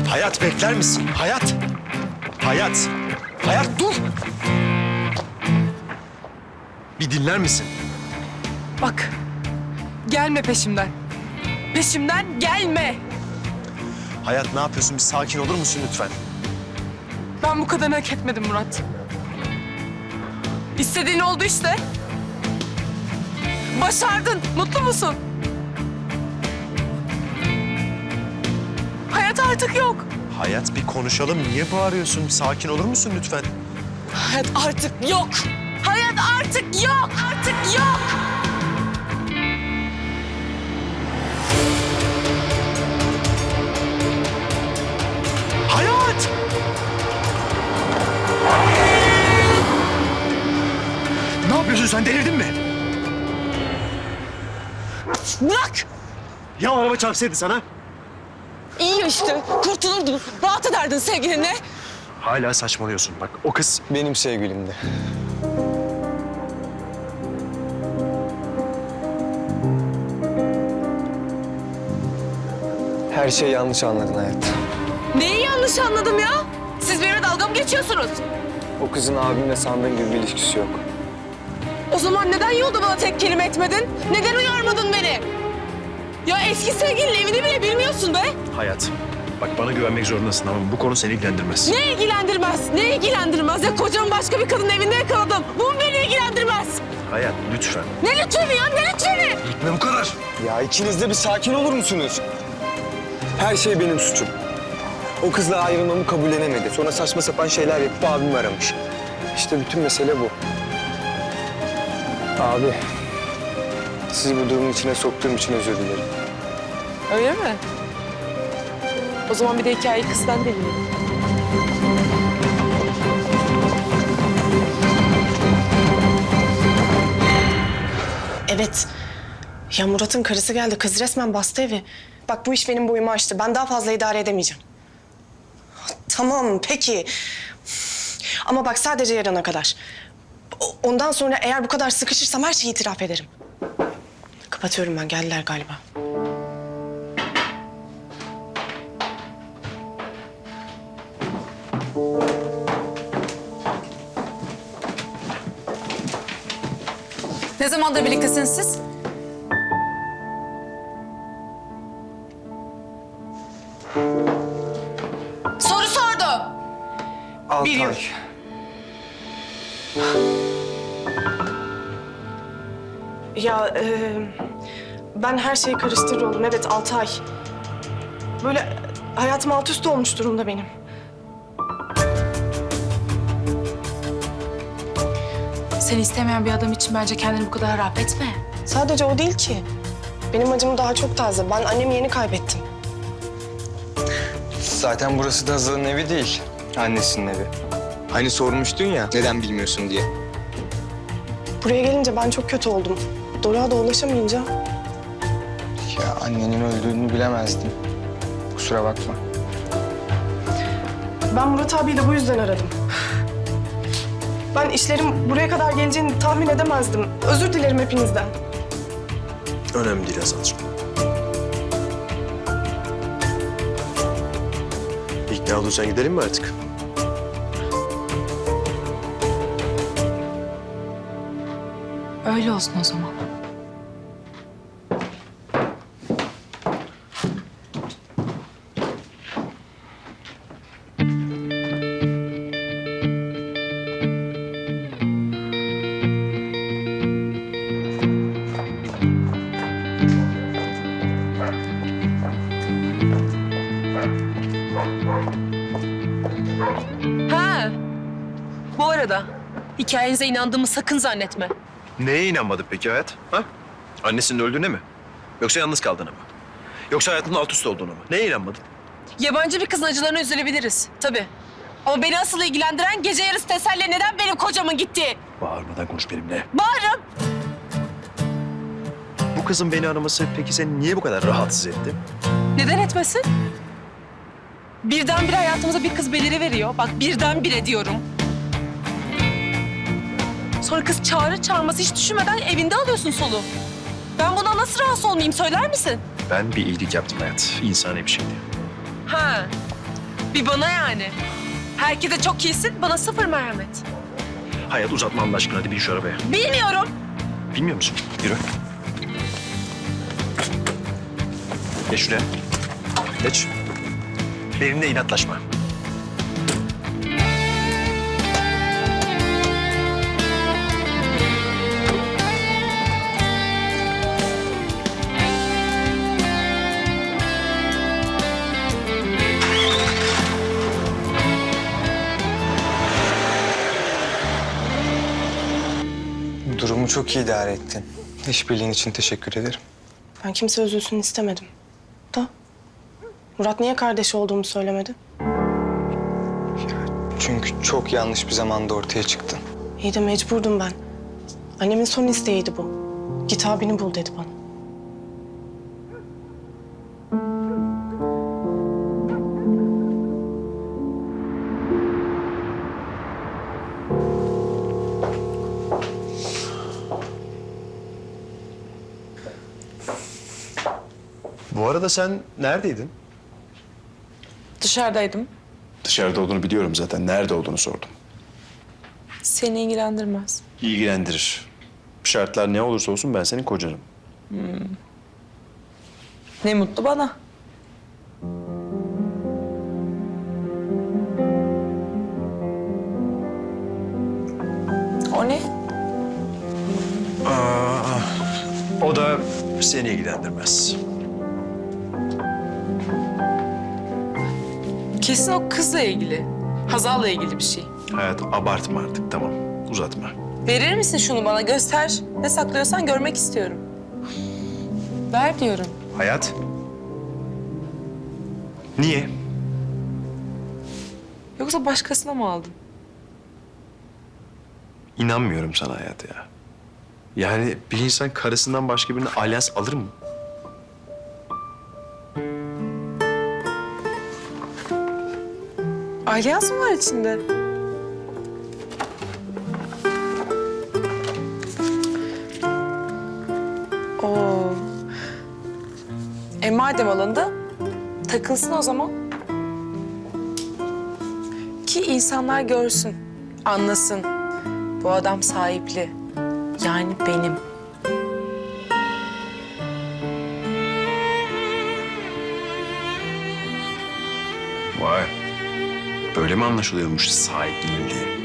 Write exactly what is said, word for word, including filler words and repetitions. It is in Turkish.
Hayat bekler misin? Hayat. Hayat. Hayat dur. Bir dinler misin? Bak, gelme peşimden. Peşimden gelme. Hayat ne yapıyorsun? Bir sakin olur musun lütfen? Ben bu kadarını hak etmedim Murat. İstediğin oldu işte. Başardın. Mutlu musun? Hayat artık yok. Hayat bir konuşalım. Niye bağırıyorsun? Sakin olur musun lütfen? Hayat artık yok. Hayat artık yok. Artık yok. Hayat! Ne yapıyorsun sen? Delirdin mi? Bırak. Ya araba çarpsaydı sana? İyi işte. Kurtulurdun. Rahat ederdin sevgilinle. Hala saçmalıyorsun. Bak o kız... Benim sevgilimdi. Her şeyi yanlış anladın hayat. Neyi yanlış anladım ya? Siz benimle dalga mı geçiyorsunuz? O kızın abimle sandığın gibi bir ilişkisi yok. O zaman neden yolda bana tek kelime etmedin? Neden uyarmadın beni? Ya eski sevgilinin evini bile bilmiyorsun be. Hayat. Bak bana güvenmek zorundasın ama bu konu seni ilgilendirmez. Ne ilgilendirmez? Ne ilgilendirmez? Ya kocamı başka bir kadının evinde yakaladım. Bu mu beni ilgilendirmez? Hayat lütfen. Ne lütfeni ya? Ne lütfeni? Gitme bu kadar. Ya ikiniz de bir sakin olur musunuz? Her şey benim suçum. O kızla ayrılmamı kabullenemedi. Sonra saçma sapan şeyler yapıp abimi aramış. İşte bütün mesele bu. Abi, sizi bu durumun içine soktuğum için özür dilerim. Öyle mi? O zaman bir de hikayeyi kızdan dinleyelim. Evet. Ya Murat'ın karısı geldi. Kız resmen bastı evi. Bak bu iş benim boyumu aştı. Ben daha fazla idare edemeyeceğim. Tamam peki. Ama bak sadece yarına kadar. O- Ondan sonra eğer bu kadar sıkışırsam her şeyi itiraf ederim. Kapatıyorum ben. Geldiler galiba. Ne zamandır birliktesiniz siz? Soru sordum. Altı Bir yıl. ay. Ya e, ben her şeyi karıştırır oldum. Evet altı ay. Böyle hayatım alt üst olmuş durumda benim. Seni istemeyen bir adam için bence kendini bu kadar harap etme. Sadece o değil ki. Benim acım daha çok taze. Ben annemi yeni kaybettim. Zaten burası da Hazal'ın evi değil. Annesinin evi. Hani sormuştun ya neden bilmiyorsun diye. Buraya gelince ben çok kötü oldum. Doruk'a da ulaşamayınca Ya annenin öldüğünü bilemezdim. Kusura bakma. ben Murat abiyi de bu yüzden aradım. Ben işlerim buraya kadar geleceğini tahmin edemezdim. Özür dilerim hepinizden. Önemli değil Hazal'cığım. İkna olursan gidelim mi artık? Öyle olsun o zaman. Ha. Bu arada hikayenize inandığımı sakın zannetme. Neye inanmadın peki Hayat? Ha? Annesinin öldüğüne mi? Yoksa yalnız kaldığına mı? Yoksa hayatının alt üst olduğuna mı? Neye inanmadın? Yabancı bir kızın acılarına üzülebiliriz tabii. Ama beni asıl ilgilendiren gece yarısı teselli neden benim kocamın gittiği. Bağırmadan konuş benimle. Bağırırım. Bu kızın beni araması peki seni niye bu kadar rahatsız etti? Neden etmesin? Birdenbire hayatımıza bir kız beliri veriyor. Bak birdenbire diyorum. Sonra kız çağrı çağırması hiç düşünmeden evinde alıyorsun soluğu. Ben buna nasıl rahatsız olmayayım söyler misin? Ben bir iyilik yaptım Hayat. İnsani bir şeydi. Ha. Bir bana yani. Herkese çok iyisin, bana sıfır merhamet. Hayat uzatma Allah aşkına, hadi bin şu arabaya. Bilmiyorum. Bilmiyor musun? Yürü. Geç şuraya. Geç. Benimle inatlaşma. Durumu çok iyi idare ettin. İşbirliğin için teşekkür ederim. Ben kimse üzülsün istemedim. Da Murat niye kardeşi olduğumu söylemedi? Çünkü çok yanlış bir zamanda ortaya çıktın. İyi de mecburdum ben. Annemin son isteğiydi bu. Git abini bul dedi bana. Bu arada sen neredeydin? Dışarıdaydım. Dışarıda olduğunu biliyorum zaten. Nerede olduğunu sordum. Seni ilgilendirmez. İlgilendirir. Şartlar ne olursa olsun ben senin kocanım. Ne mutlu bana. O ne? O da seni ilgilendirmez. Kesin o kızla ilgili. Hazal'la ilgili bir şey. Hayat, abartma artık, tamam. Uzatma. Verir misin şunu bana? Göster. Ne saklıyorsan görmek istiyorum. Ver diyorum. Hayat. Niye? Yoksa başkasına mı aldın? İnanmıyorum sana Hayat ya. Yani bir insan karısından başka birine alyans alır mı? Alyans mı var içinde? Oo. E madem alındı, takılsın o zaman. Ki insanlar görsün, anlasın. Bu adam sahipli. Yani benim. Vay. Böyle mi anlaşılıyormuş sahipliliği?